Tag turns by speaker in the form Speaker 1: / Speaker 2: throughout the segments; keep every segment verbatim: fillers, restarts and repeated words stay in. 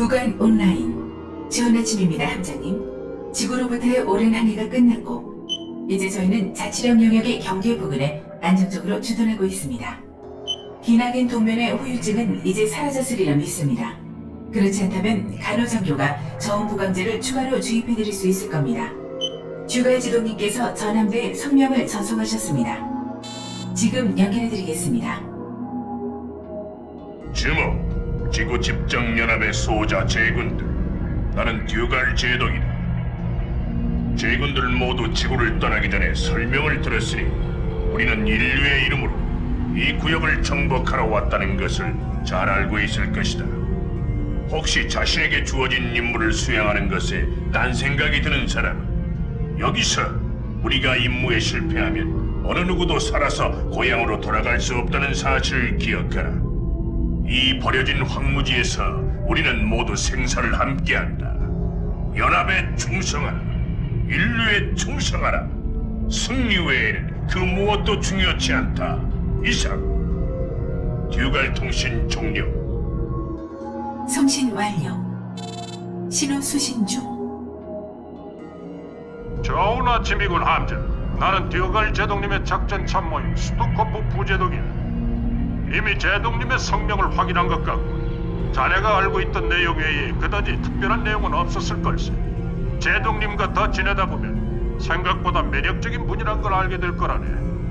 Speaker 1: 구간 온라인. 좋은 아침입니다, 함장님. 지구로부터의 오랜 항해가 끝났고 이제 저희는 자치령 영역의 경계 부근에 안정적으로 주둔하고 있습니다. 기나긴 동면의 후유증은 이제 사라졌으리라 믿습니다. 그렇지 않다면 간호장교가 저온부강제를 추가로 주입해드릴 수 있을 겁니다. 주갈 지도님께서 전함대에 성명을 전송하셨습니다. 지금 연결해드리겠습니다.
Speaker 2: 주목, 지구 집정연합의 소자 제군들. 나는 듀갈 제독이다. 제군들 모두 지구를 떠나기 전에 설명을 들었으니 우리는 인류의 이름으로 이 구역을 정복하러 왔다는 것을 잘 알고 있을 것이다. 혹시 자신에게 주어진 임무를 수행하는 것에 딴 생각이 드는 사람은 여기서 우리가 임무에 실패하면 어느 누구도 살아서 고향으로 돌아갈 수 없다는 사실을 기억하라. 이 버려진 황무지에서 우리는 모두 생사를 함께한다. 연합에 충성하라. 인류에 충성하라. 승리 외에는 그 무엇도 중요치 않다. 이상. 듀갈 통신 종료.
Speaker 1: 送신 완료. 신호 수신 중.
Speaker 3: 좋은 아침이군, 함장. 나는 듀갈 제독님의 작전 참모인 스투코프 부제독이야. 이미 제독님의 성명을 확인한 것 같고 자네가 알고 있던 내용 외에 그다지 특별한 내용은 없었을 걸세. 제독님과 더 지내다 보면 생각보다 매력적인 분이란 걸 알게 될 거라네.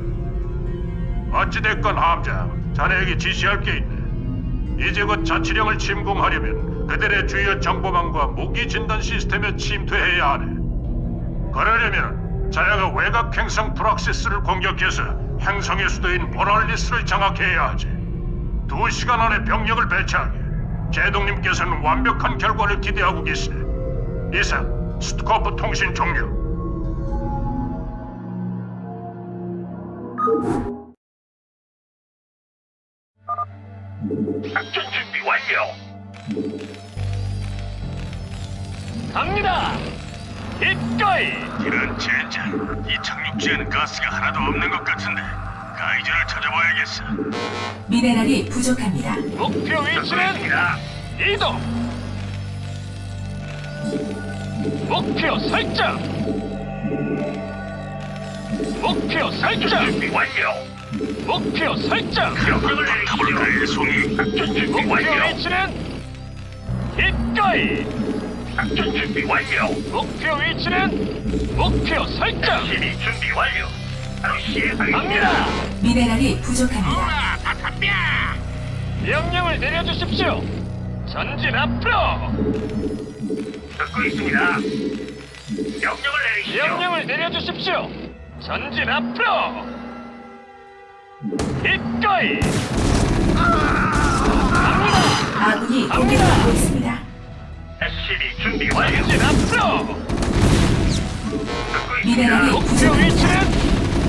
Speaker 3: 어찌됐건 함장, 자네에게 지시할 게 있네. 이제 곧 자치령을 침공하려면 그들의 주요 정보망과 무기 진단 시스템에 침투해야 하네. 그러려면 자네가 외곽 행성 프락시스를 공격해서 행성의 수도인 보랄리스를 장악해야 하지. 두 시간 안에 병력을 배치하게. 제독님께서는 완벽한 결과를 기대하고 계시네. 이상, 스투코프 통신 종료.
Speaker 2: 작전 준비 완료.
Speaker 4: 갑니다. 기꺼이.
Speaker 2: 이런 젠장, 이 착륙지에는 가스가 하나도 없는 것 같은데 가이저를 찾아봐야겠어.
Speaker 1: 미네랄이 부족합니다.
Speaker 4: 목표 위치는 이동. 목표 설정. 목표 설정.
Speaker 2: 준비 완료.
Speaker 4: 목표 설정.
Speaker 2: 명령을 내리시죠. 송이. 작전 준비
Speaker 4: 목표
Speaker 2: 완료.
Speaker 4: 위치는 기꺼이.
Speaker 2: 작전 준비 완료.
Speaker 4: 목표 위치는 목표 설정.
Speaker 2: 시리 준비 완료. 바로 시행하겠습니다.
Speaker 4: 갑니다.
Speaker 1: 미네랄이 부족합니다.
Speaker 2: 다 탑니다.
Speaker 4: 명령을 내려주십시오. 전진 앞으로.
Speaker 2: 듣고 있습니다. 명령을 내리시죠.
Speaker 4: 명령을 내려주십시오. 전진 앞으로. 기꺼이. 갑니다.
Speaker 1: 아군이 공격받고 있습니다.
Speaker 2: 에스시비 준비 완료.
Speaker 4: 전진 앞으로.
Speaker 2: 듣고
Speaker 1: 미네랄이
Speaker 2: 있습니다.
Speaker 4: 목표
Speaker 1: 부족합니다.
Speaker 4: 위치는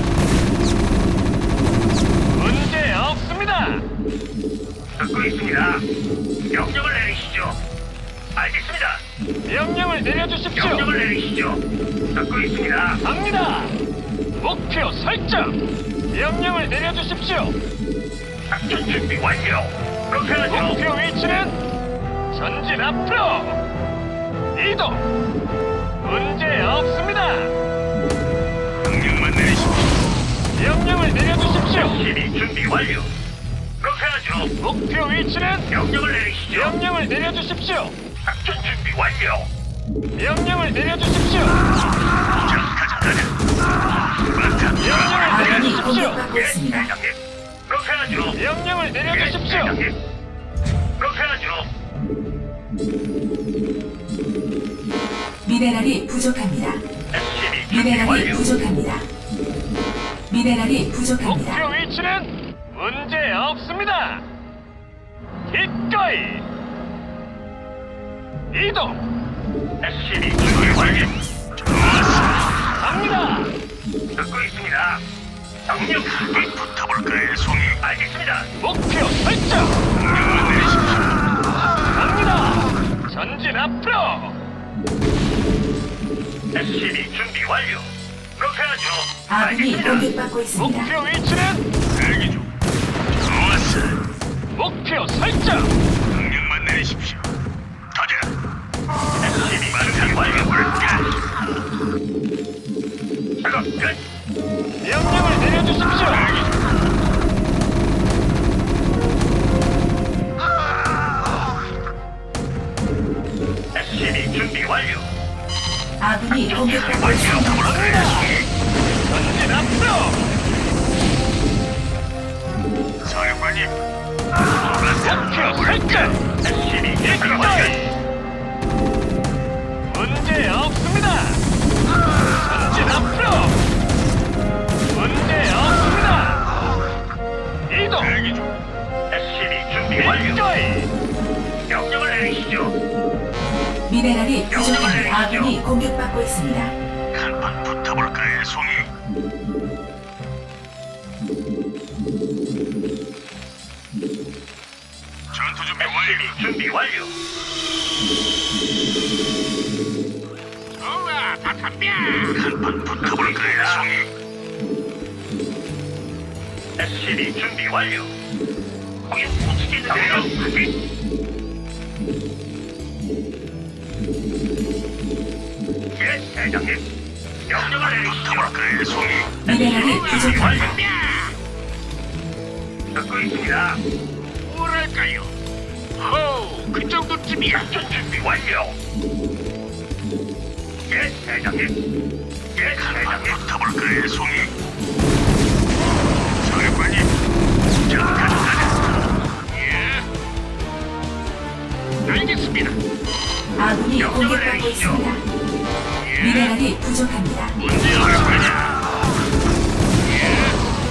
Speaker 4: 문제 없습니다.
Speaker 2: 듣고 있습니다. 명령을 내리시죠. 알겠습니다.
Speaker 4: 명령을 내려주십시오.
Speaker 2: 명령을 내리시죠. 듣고 있습니다.
Speaker 4: 갑니다. 목표 설정. 명령을 내려주십시오.
Speaker 2: 작전 준비 완료. 그렇게 하죠.
Speaker 4: 목표 위치는 전진 앞으로. 이동. 문제 없습니다.
Speaker 2: 명령만 내리십시오.
Speaker 4: 명령을 내려주십시오.
Speaker 2: 시리 준비 완료. 그렇게 하죠.
Speaker 4: 목표 위치는
Speaker 2: 명령을 내리시죠.
Speaker 4: 명령을 내려주십시오.
Speaker 2: 작전 준비 완료.
Speaker 4: 명령을 내려주십시오.
Speaker 2: 자, 가자, 가자.
Speaker 4: 명령을
Speaker 1: 아군이
Speaker 4: 내려주십시오.
Speaker 1: 공격받고
Speaker 2: 예,
Speaker 1: 있습니다.
Speaker 2: 대장님. 그렇게 하죠.
Speaker 4: 명령을
Speaker 2: 예,
Speaker 4: 내려주십시오.
Speaker 2: 대장님. 그렇게 하죠.
Speaker 1: 미네랄이 부족합니다.
Speaker 2: 에스시비 준비
Speaker 1: 미네랄이
Speaker 2: 완료.
Speaker 1: 부족합니다. 미네랄이 부족합니다.
Speaker 4: 목표 위치는 문제 없습니다. 기꺼이. 이동.
Speaker 2: 에스시비 준비 완료.
Speaker 4: 갑니다.
Speaker 2: 듣고 있습니다. 명령 한번 붙어볼까요, 송이? 알겠습니다.
Speaker 4: 목표 설정.
Speaker 2: 명령만 내리십시오.
Speaker 4: 갑니다. 전진 앞으로.
Speaker 2: 에스시비 준비 완료. 그렇게 하죠.
Speaker 1: 아군이
Speaker 2: 알겠습니다.
Speaker 1: 공격받고 있습니다.
Speaker 4: 목표 위치는
Speaker 2: 대기 중. 좋았어.
Speaker 4: 목표 설정.
Speaker 2: 명령만 내리십시오. 가자.
Speaker 3: 에스씨비 준비 완료. 작업 끝.
Speaker 4: 명령을 내려주십시오.
Speaker 3: 에스씨비 준비 완료.
Speaker 1: 아군이 공격받고 있습니다.
Speaker 4: 전진 앞으로.
Speaker 3: 사령관님.
Speaker 4: 목표 설정.
Speaker 3: 에스씨비 준비 완료.
Speaker 4: 문제 없습니다. 전진 앞으로. 문제 없습니다. 이동.
Speaker 3: 대기 중. 에스씨비 준비 완료.
Speaker 4: 일조이.
Speaker 3: 명령을 내리시죠.
Speaker 1: 미네랄이 부족합니다. 아군이 공격받고 있습니다.
Speaker 3: 한판 붙어볼까요, 송이? 전투 준비 완료. 준비 완료. 좋아, 다 덤벼. 한판 붙어볼까요, 송이? 에스씨비 준비 완료. 거기 붙이겠는데요? 예, 대장님. 명령을 내리시죠. 송이.
Speaker 1: 미네랄이 부족합니다.
Speaker 3: 듣고 있습니다. 뭐랄까요? 호, 그 정도쯤이야. 준비 완료. 예, 대장님. 예, 대장님. 붙어볼까요, 송이? 사령관님. 자, 가자, 가자. 예. 알겠습니다.
Speaker 1: 아군이 공격받고 있습니다. 미네랄이 부족합니다.
Speaker 3: 문제 없습니다. 예.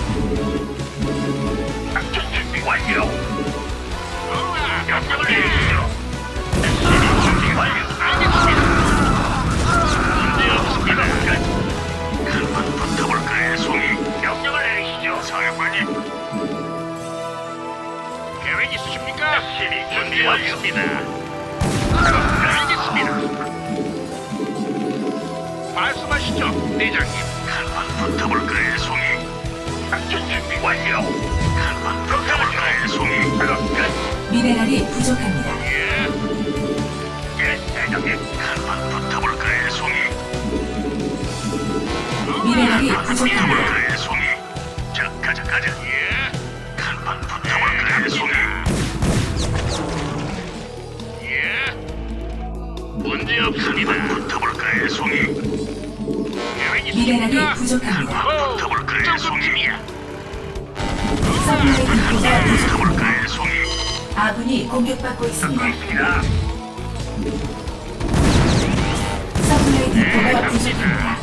Speaker 3: 작전 준비 완료. 우와, 명령을 내리시죠. 에스씨비 준비 완료. 알겠습니다. 문제 없습니다. 한번 붙어볼까요, 송이? 명령을 내리시죠. 사령관님. 계획 있으십니까? 에스씨비 준비 완료입니다. 알겠습니다. 말씀하시죠, 대장님. 한번 붙어볼까요, 송이? 작전 준비 완료. 한번 붙어볼까요, 송이? 작업 끝.
Speaker 1: 미네랄이 부족합니다.
Speaker 3: 예. 예, 대장님. 한번 붙어볼까요, 송이?
Speaker 1: 미네랄이
Speaker 3: 한번
Speaker 1: 부족합니다.
Speaker 3: 붙어볼까요, 송이? 자, 가자, 가자. 예. 한번 붙어볼까요, 송이? 예. 문제 없습니다. 붙어볼까요, 송이?
Speaker 1: 미네랄이 부족합니다.
Speaker 3: 붙어볼까요, 송이야?
Speaker 1: 서플라이 디포가 부족합니다.
Speaker 3: 붙어볼까요, 송이?
Speaker 1: 아군이 공격받고 있습니다.
Speaker 3: 있습니다.
Speaker 1: 서플라이 디포가 부족합니다.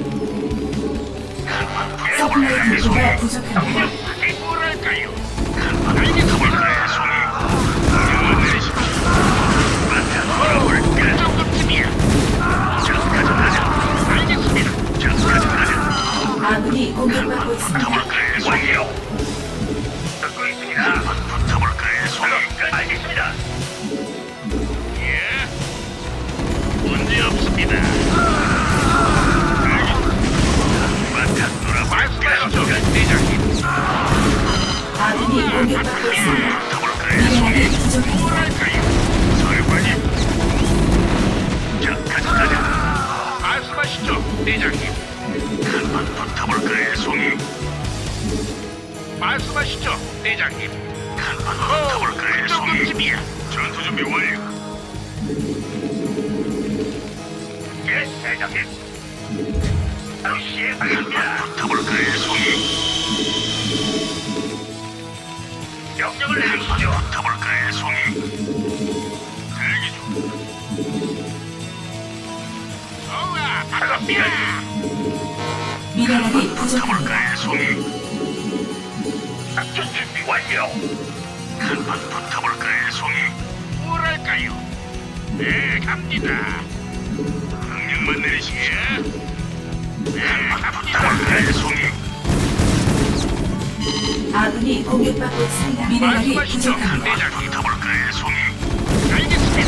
Speaker 1: 서플라이 디포가 부족합니다.
Speaker 3: 뭐랄까요? 알겠습니다, 송이. 명령을 내리십시오. 그 정도쯤이야. 자, 가자, 가자. 알겠습니다. 자, 가자, 가자.
Speaker 1: 아군이 공격받고 있습니다.
Speaker 3: 붙어볼까요, 송이요? 듣고 있습니다. 붙어볼까요, 송이? 알겠습니다. 예. 문제 없습니다. 바탕 놀아볼까요, 대장님?
Speaker 1: 아군이 공격받고 있습니다.
Speaker 3: 붙어볼까요,
Speaker 1: 미네랄이
Speaker 3: 송이?
Speaker 1: 부족합니다.
Speaker 3: 뭐랄까요? 사령관님. 자, 가자, 가자. 말씀하시죠, 대장님. 한번 붙어볼까요, 송이? 말씀하시죠, 대장님. 한번 붙어볼까요, 송이? 전투 준비 완료. 예, 대장님. 바로 시행하겠습니다. 한번 붙어볼까요, 송이? 명령을 내리시죠. 붙어볼까요, 송이? 대기 중. 좋아, 반갑습니다.
Speaker 1: 미네랄이 부족합니다.
Speaker 3: 붙어볼까요, 송이? 작전 준비 완료. 한번 붙어볼까요, 송이? 뭐랄까요? 네, 갑니다. 명령만 내리시게. 네, 붙어볼까요, 송이?
Speaker 1: 아군이 공격받고 있습니다. 미네랄이
Speaker 3: 말씀하시죠,
Speaker 1: 부족합니다.
Speaker 3: 대장님. 붙어볼까요, 송이? 알겠습니다.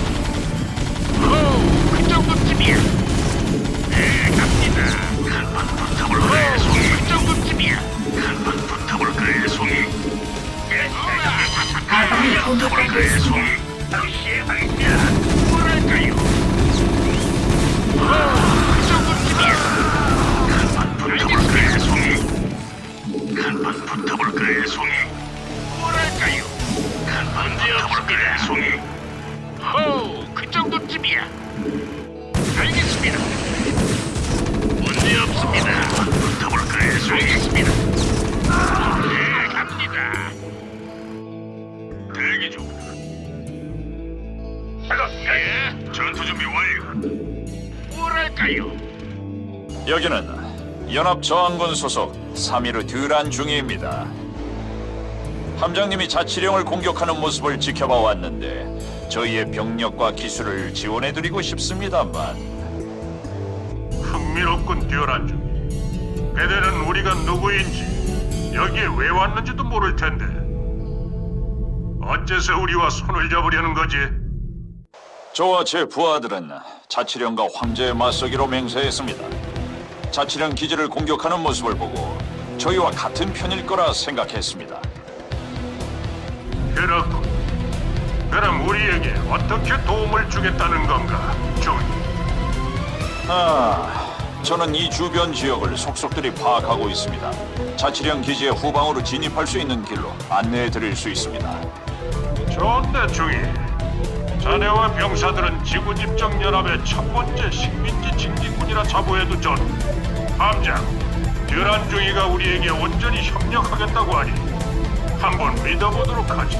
Speaker 3: 오, 그 정도쯤이야. 네, 갑니다. 한번 붙어볼까요, 송이? 그 정도쯤이야. 한번 붙어볼까요, 송이? 예,
Speaker 1: 아군이 공격받고
Speaker 3: 붙어볼까요,
Speaker 1: 있습니다.
Speaker 3: 송이? 바로 시행하겠습니다. 뭐랄까요? 뭐랄까요?
Speaker 5: 여기는 연합저항군 소속 삼.일의 듀란 중위입니다. 함장님이 자치령을 공격하는 모습을 지켜봐 왔는데 저희의 병력과 기술을 지원해드리고 싶습니다만.
Speaker 3: 흥미롭군, 듀란주. 그대는 우리가 누구인지, 여기에 왜 왔는지도 모를 텐데 어째서 우리와 손을 잡으려는 거지?
Speaker 5: 저와 제 부하들은 자치령과 황제의 맞서기로 맹세했습니다. 자치령 기지를 공격하는 모습을 보고 저희와 같은 편일 거라 생각했습니다.
Speaker 3: 그렇군. 그럼 우리에게 어떻게 도움을 주겠다는 건가, 조이?
Speaker 5: 아, 저는 이 주변 지역을 속속들이 파악하고 있습니다. 자치령 기지의 후방으로 진입할 수 있는 길로 안내해 드릴 수 있습니다.
Speaker 3: 좋은데, 조이. 자네와 병사들은 지구집정연합의 첫 번째 식민지 징집군이라 자부해도 좋. 함장, 듀란 중이가 우리에게 온전히 협력하겠다고 하니 한번 믿어보도록 하지.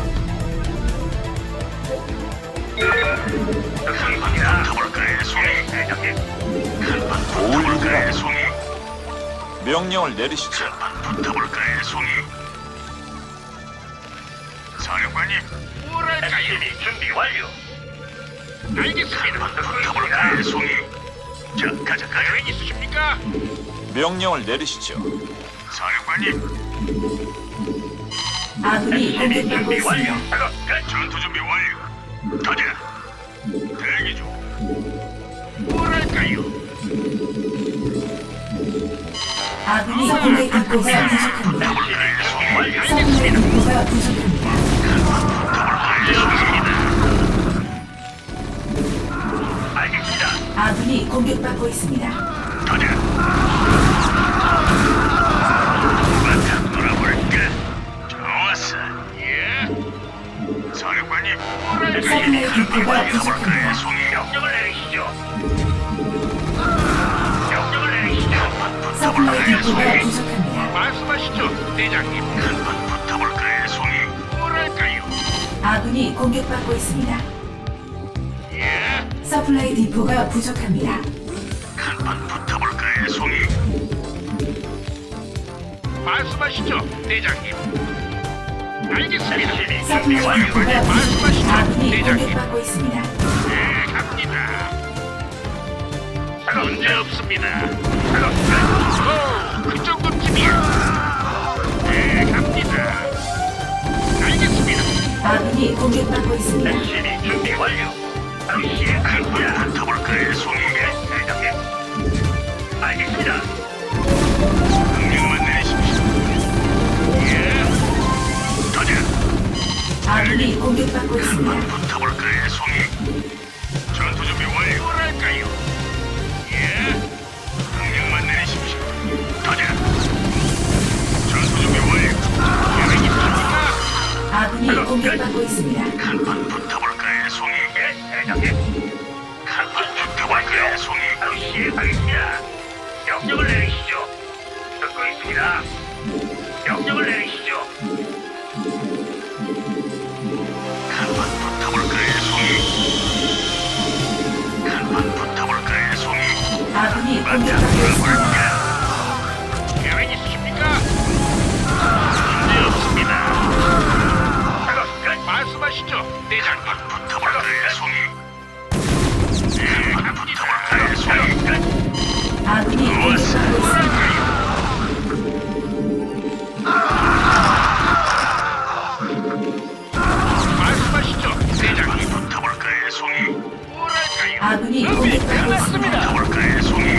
Speaker 5: 도울리라. 명령을 내리시죠.
Speaker 3: 붙어볼까요, 송이? 사령관님, 뭐랄까요? 준비 완료. 알겠습니다. 붙어볼까요, 송이? 자, 가자, 가자. 있으십니까?
Speaker 5: 명령을 내리시죠.
Speaker 3: 사령관님.
Speaker 1: 아군이 공격받고 있습니다.
Speaker 3: 전투 준비 완료. 가자. 대기 중. 뭐랄까요?
Speaker 1: 아군이 서플라이 디포가 부족합니다. 서플라이 디포가 부족합니다.
Speaker 3: 알겠습니다.
Speaker 1: 아군이 공격받고 있습니다.
Speaker 3: 가자. 한번 놀아볼까? 좋았어. 예. 사령관님.
Speaker 1: 서플라이 디포가 부족합니다.
Speaker 3: 송이 명령을 내리시죠. 명령을 내리시죠.
Speaker 1: 서플라이 디포가 부족합니다.
Speaker 3: 말씀하시죠, 대장님. 한번 붙어볼까요, 송이? 뭐랄까요?
Speaker 1: 아군이 공격받고 있습니다.
Speaker 3: 예.
Speaker 1: 서플라이 디포가 부족합니다.
Speaker 3: 한번 붙어볼까요, 송이? 말씀하시죠, 대장님. 알겠습니다.
Speaker 1: 서플라이 디포가 부족합니다.
Speaker 3: 말씀하시죠,
Speaker 1: 아군이
Speaker 3: 대장님.
Speaker 1: 공격받고 있습니다.
Speaker 3: 네, 갑니다. 문제 없습니다. 오, 그 정도쯤이야. 네, 갑니다. 알겠습니다.
Speaker 1: 아군이 공격받고 있습니다.
Speaker 3: 열심히 준비 완료. 시행하겠습니다. 붙어볼까요, 송이? 대장님. 알겠습니다. 명령만 내리십시오. 예. 가자.
Speaker 1: 아군이 공격받고 있습니다.
Speaker 3: 붙어볼까요, 송이? 전투 준비 완료. 뭐랄까요? 예. 명령만 내리십시오. 가자. 전투 준비 완료. 계획 있습니까?
Speaker 1: 아군이 공격받고 있습니다.
Speaker 3: 한번 붙어볼까요, 송이? 예, 대장님. 한번 붙어볼까요, 송이? 바로 시행하겠습니다. 명령을 내리시죠. 듣고 있습니다. 명령을 내리시죠. 한번 붙어볼까요, 송이? 한번 붙어볼까요, 송이?
Speaker 1: 아군이 공격받고 있습니다.
Speaker 3: 계획 있으십니까? 문제 없습니다. 작업 끝. 말씀하시죠, 대장님. 붙어볼까요, 송이? 네, 붙어볼까요, 송이? 끝.
Speaker 1: 아군이 공격받고 있습니다.
Speaker 3: 말씀하시죠, 대장님. 붙어볼까요, 송이? 뭐랄까요?
Speaker 1: 아군이 공격받고 있습니다.
Speaker 3: 붙어볼까요, 송이?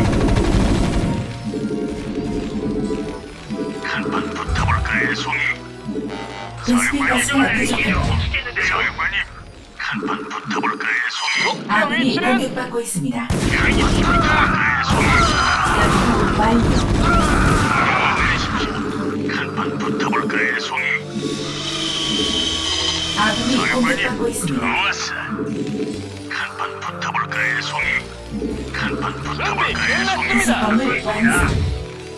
Speaker 3: 한번 붙어볼까요, 송이?
Speaker 1: 베스핀 가스가 부족합니다.
Speaker 3: 사령관님, 한번 붙어볼까요, 송이?
Speaker 1: 아군이 공격받고 있습니다.
Speaker 3: 계획 있습니까? 송이.
Speaker 1: 완료.
Speaker 3: 한번 붙어볼까요, 송이?
Speaker 1: 아군이 공격받고
Speaker 3: 사령관님,
Speaker 1: 있습니다.
Speaker 3: 좋았어. 한번 붙어볼까요, 송이? 한번
Speaker 4: 준비
Speaker 3: 붙어볼까요, 송이?
Speaker 4: 끝났습니다.
Speaker 1: 건물 완성.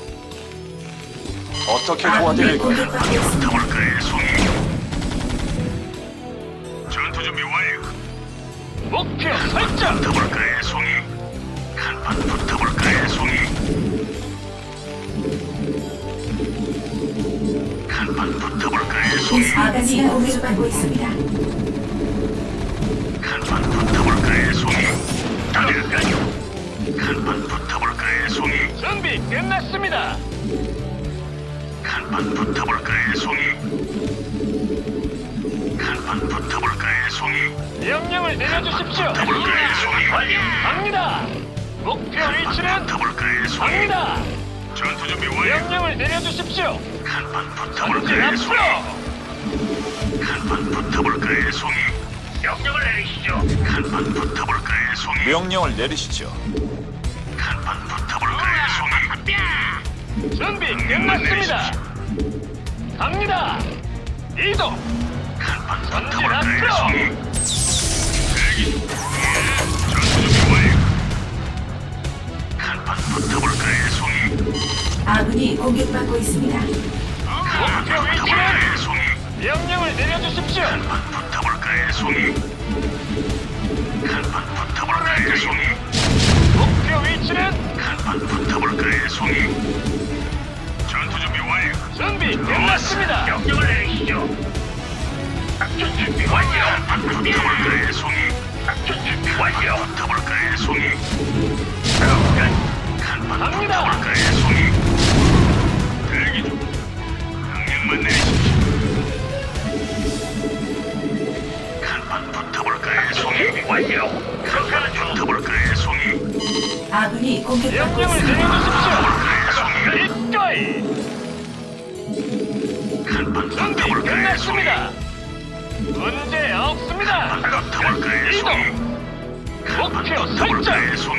Speaker 5: 어떻게
Speaker 1: 아군이
Speaker 5: 도와드릴까요?
Speaker 1: 공격받고 있습니다.
Speaker 3: 붙어볼까요, 송이? 전투 준비 완료.
Speaker 4: 목표 설정.
Speaker 3: 붙어볼까요, 송이?
Speaker 1: 베스핀가스가 공격받고 있습니다.
Speaker 3: 간판 붙어볼까요, 송이? 달릴까요? 간판 붙어볼까요, 송이?
Speaker 4: 준비 끝났습니다.
Speaker 3: 간판 붙어볼까요, 송이? 간판 붙어볼까요, 송이?
Speaker 4: 명령을 내려주십시오.
Speaker 3: 붙어볼까요, 송이?
Speaker 4: 갑니다. 목표 위치는
Speaker 3: 붙어볼까요, 송이?
Speaker 4: 갑니다.
Speaker 3: 전투 준비 완료.
Speaker 4: 명령을 내려주십시오.
Speaker 3: 간판
Speaker 4: 전진
Speaker 3: 붙어볼까요, 송이?
Speaker 4: 앞으로.
Speaker 3: 간판 붙어볼까요, 송이? 명령을 내리시죠. 간판 붙어볼까요, 송이?
Speaker 5: 명령을 내리시죠.
Speaker 3: 간판 붙어볼까요, 송이?
Speaker 4: 준비 끝났습니다. 갑니다. 이동.
Speaker 3: 간판
Speaker 4: 전진
Speaker 3: 붙어볼까요,
Speaker 4: 앞으로.
Speaker 3: 송이? 대기 중. 예, 전투 준비 완료. 간판 붙어볼까요, 송이?
Speaker 1: 아군이 공격받고 있습니다.
Speaker 4: 목표 위치는
Speaker 3: 붙어볼까요, 송이?
Speaker 4: 명령을 내려주십시오.
Speaker 3: 간판 붙어볼까요, 송이? 간판 붙어볼까요, 송이?
Speaker 4: 목표 위치는
Speaker 3: 간판 붙어볼까요, 송이? 전투 준비 완료.
Speaker 4: 준비 끝났습니다.
Speaker 3: 명령을 내리시죠. 작전 준비 완료. 간판 붙어볼까요, 송이? 작전 준비 완료. 붙어볼까요, 송이? 간판
Speaker 4: 갑니다.
Speaker 3: 붙어볼까요, 송이? 대기 중. 명령만 내리십시오. 간판 붙어볼까요, 송이? 완료. 간판 붙어볼까요, 송이?
Speaker 1: 아군이 공격받고
Speaker 4: 명령을
Speaker 1: 있습니다.
Speaker 4: 내려주십시오. 이거이.
Speaker 3: 간판
Speaker 4: 준비
Speaker 3: 붙어볼까요, 송이?
Speaker 4: 끝났습니다. 문제 없습니다.
Speaker 3: 붙어볼까요, 송이?
Speaker 4: 이동. 목표 설정.
Speaker 3: 붙어볼까요, 송이?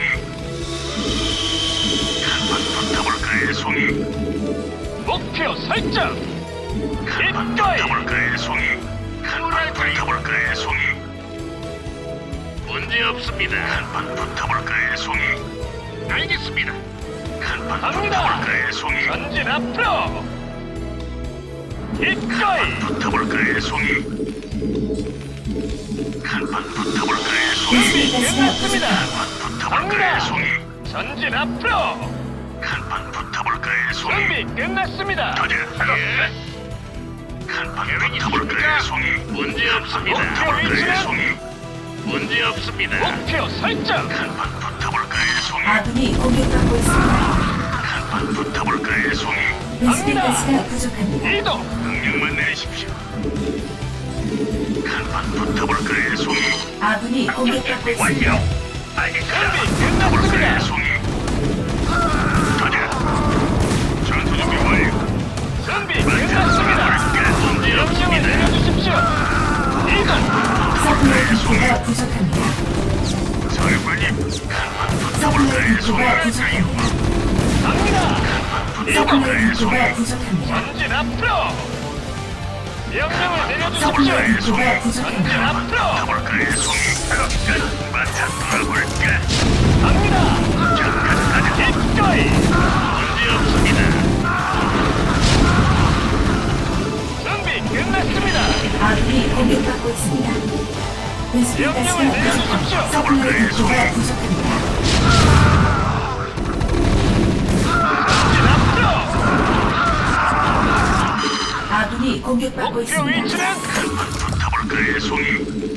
Speaker 3: 간판 붙어볼까요, 송이?
Speaker 4: 목표 설정.
Speaker 3: 간판
Speaker 4: 이거이.
Speaker 3: 붙어볼까요, 송이? 간판 붙어볼까요, 송이? 문제 없습니다. 간판 붙어볼까요, 송이? 알겠습니다. 간판
Speaker 4: 갑니다.
Speaker 3: 붙어볼까요, 송이?
Speaker 4: 전진 앞으로. 이거이.
Speaker 3: 붙어볼까요, 송이? 간판 붙어볼까요, 송이?
Speaker 4: 준비 끝났습니다.
Speaker 3: 붙어볼까요,
Speaker 4: 갑니다.
Speaker 3: 송이?
Speaker 4: 전진 앞으로.
Speaker 3: 간판 붙어볼까요, 송이?
Speaker 4: 준비 끝났습니다.
Speaker 3: 가자. 예. 간판 붙어볼까요, 송이? 문제 없습니다.
Speaker 4: 목표
Speaker 3: 붙어볼까요,
Speaker 4: 위치는?
Speaker 3: 송이? 문제 없습니다.
Speaker 4: 목표 설정.
Speaker 3: 간판 붙어볼까요, 송이?
Speaker 1: 아군이 공격받고 있습니다.
Speaker 3: 간판 붙어볼까요, 송이?
Speaker 1: 베스핀가스가 부족합니다.
Speaker 4: 이동.
Speaker 3: 명령만 내리십시오. 간판 붙어볼까요, 송이?
Speaker 1: 아군이 공격받고 있습니다.
Speaker 3: 완료. 알겠습니다.
Speaker 4: 준비
Speaker 3: 붙어볼까요,
Speaker 4: 끝났습니다.
Speaker 3: 송이? 가자. 전투 준비 완료.
Speaker 4: 준비 끝났습니다.
Speaker 3: 문제
Speaker 4: 명령을
Speaker 3: 없습니다.
Speaker 4: 내려주십시오. 이동.
Speaker 1: 서플라이 디포가 부족합니다.
Speaker 3: 사령관님, 간판
Speaker 1: 서플라이
Speaker 3: 붙어볼까요, 송이?
Speaker 1: 디포가 부족합니다.
Speaker 4: 갑니다. 이동.
Speaker 1: 서플라이 디포가 부족합니다.
Speaker 4: 전진 앞으로. 명령을 내려주십시오.
Speaker 1: 서플라이 디포가
Speaker 4: 전진
Speaker 1: 부족합니다.
Speaker 4: 앞으로.
Speaker 3: 붙어볼까요, 송이? 끝. 마차 돌아볼까?
Speaker 4: 갑니다. 이거이.
Speaker 3: 문제 없습니다.
Speaker 4: 준비 끝났습니다.
Speaker 1: 아군이 공격받고 있습니다. 베스핀가스가
Speaker 4: 명령을 내려주십시오.
Speaker 1: 부족합니다. 서플라이 디포가 부족합니다.
Speaker 4: 전진 앞으로.
Speaker 1: 아군이 공격받고
Speaker 4: 목표
Speaker 1: 있습니다.
Speaker 4: 위치는
Speaker 3: 붙어볼까요, 송이?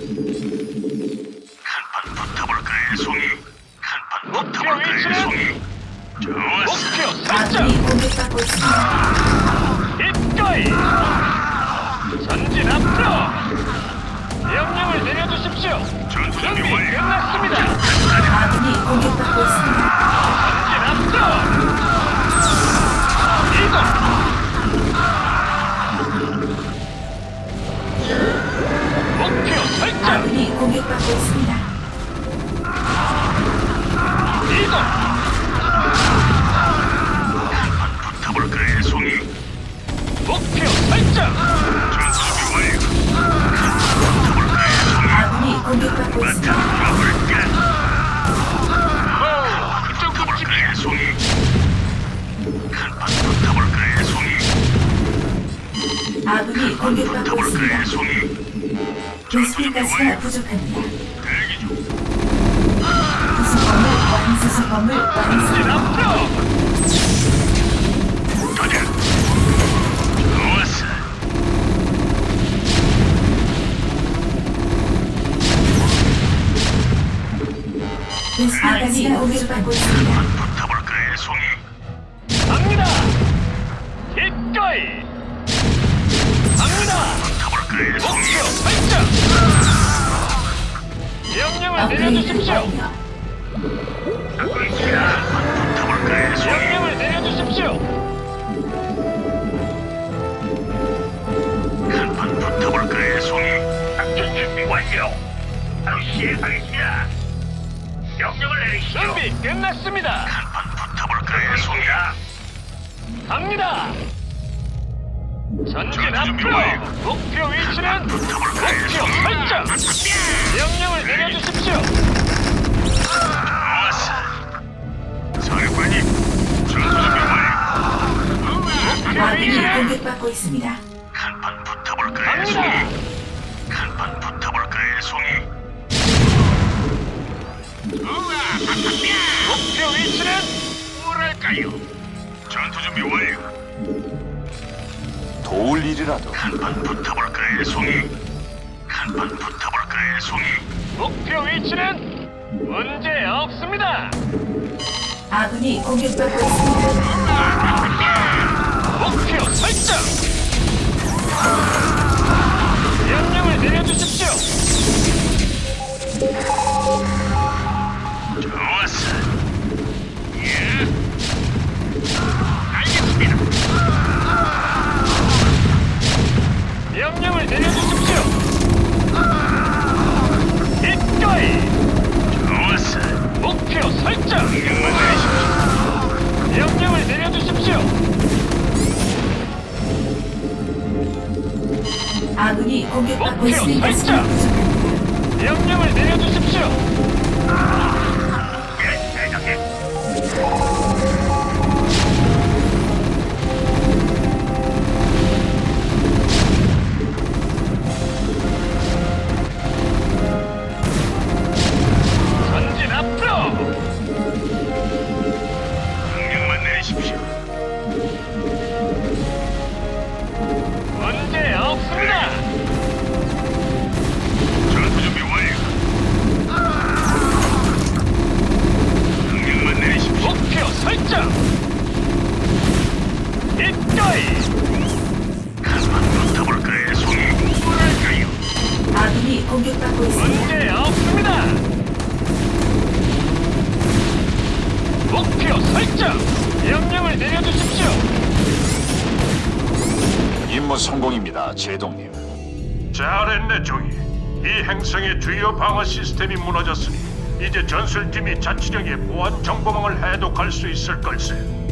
Speaker 3: 간판 붙어볼까요, 송이? 간판
Speaker 4: 목표
Speaker 3: 붙어볼까요,
Speaker 4: 위치는?
Speaker 3: 송이? 좋았어.
Speaker 4: 목표 설정.
Speaker 1: 아군이 공격받고 있습니다.
Speaker 4: 이거이. 전진 앞으로. 명령을 내려주십시오.
Speaker 3: 전투 준비
Speaker 4: 준비
Speaker 3: 완료.
Speaker 4: 끝났습니다.
Speaker 1: 아군이 공격받고 있습니다.
Speaker 4: 전진 앞으로. 이동. 목표 설정.
Speaker 1: 아군이 공격받고 있습니다.
Speaker 4: 이동.
Speaker 3: 붙어볼까요, 송이?
Speaker 4: 목표 설정.
Speaker 3: 전투 준비 완료. 붙어볼까요, 송이?
Speaker 1: 아군이 공격받고
Speaker 3: 마차
Speaker 1: 있습니다.
Speaker 3: 돌아볼까?
Speaker 4: 오, 그쪽
Speaker 3: 붙어볼까요, 송이? 간판 붙어볼까요, 송이?
Speaker 1: 아군이 공격받고
Speaker 3: 붙어볼까요,
Speaker 1: 있습니다.
Speaker 3: 송이? 전투 준비
Speaker 1: 베스핀가스가
Speaker 3: 완료.
Speaker 1: 부족합니다.
Speaker 3: 대기 중.
Speaker 1: 구성건물 완수수 건물 완수.
Speaker 4: 전진 앞으로.
Speaker 3: 가자. 좋았어.
Speaker 1: 베스핀가스가 공격받고 있습니다.
Speaker 3: 붙어볼까요, 송이?
Speaker 4: 갑니다. 기꺼이. 갑니다.
Speaker 3: 붙어볼까요, 송이?
Speaker 4: 목표 설정. 명령을
Speaker 1: 업그레이드
Speaker 4: 내려주십시오.
Speaker 1: 완료.
Speaker 3: 듣고 있습니다. 붙어볼까요, 송이?
Speaker 4: 명령을 내려주십시오.
Speaker 3: 한판 붙어볼까요, 송이? 작전 준비 완료. 바로 시행하겠습니다. 명령을 내리시죠.
Speaker 4: 준비 끝났습니다.
Speaker 3: 한판 붙어볼까요, 송이?
Speaker 4: 갑니다. 전진
Speaker 3: 전투 준비
Speaker 4: 앞으로.
Speaker 3: 완료.
Speaker 4: 목표 위치는
Speaker 3: 붙어볼까요,
Speaker 4: 목표
Speaker 3: 송이?
Speaker 4: 설정. 명령을 내려주십시오.
Speaker 3: 좋았어. 사령관님, 전투 준비 완료.
Speaker 4: 목표
Speaker 1: 아군이
Speaker 4: 위치는
Speaker 1: 공격받고 있습니다.
Speaker 3: 한판 붙어볼까요,
Speaker 4: 갑니다.
Speaker 3: 송이? 한판 붙어볼까요, 송이?
Speaker 4: 목표 위치는
Speaker 3: 뭐랄까요? 전투 준비 완료.
Speaker 5: 도울 일이라도
Speaker 3: 한판 붙어볼까요, 송이? 한판 붙어볼까요, 송이?
Speaker 4: 목표 위치는 문제 없습니다.
Speaker 1: 아군이 공격받고 있습니다.
Speaker 4: 목표 설정. 명령을 내려주십시오.
Speaker 3: 좋았어. 예. 알겠습니다.
Speaker 4: 명령을 내려주십시오. 기꺼이.
Speaker 3: 좋았어.
Speaker 4: 목표 설정.
Speaker 3: 명령만 내리십시오.
Speaker 4: 명령을 내려주십시오.
Speaker 1: 아군이 공격받고
Speaker 4: 목표
Speaker 1: 있습니다.
Speaker 4: 설정. 명령을 내려주십시오.
Speaker 3: 예, 대장님.
Speaker 4: 전진 앞으로.
Speaker 3: 명령만 내리십시오.
Speaker 4: 문제 없습니다.
Speaker 3: 전투 준비 완료. 명령만 내리십시오.
Speaker 4: 목표 설정. 기꺼이.
Speaker 3: 한판 붙어볼까요, 송이? 뭐랄까요?
Speaker 1: 아군이 공격받고 있습니다.
Speaker 4: 문제 없습니다. 목표 설정. 명령을 내려주십시오.
Speaker 5: 임무 성공입니다, 제동님.
Speaker 3: 잘했네, 종이. 이 행성의 주요 방어 시스템이 무너졌으니 이제 전술팀이 자치령의 보안 정보망을 해독할 수 있을 걸세.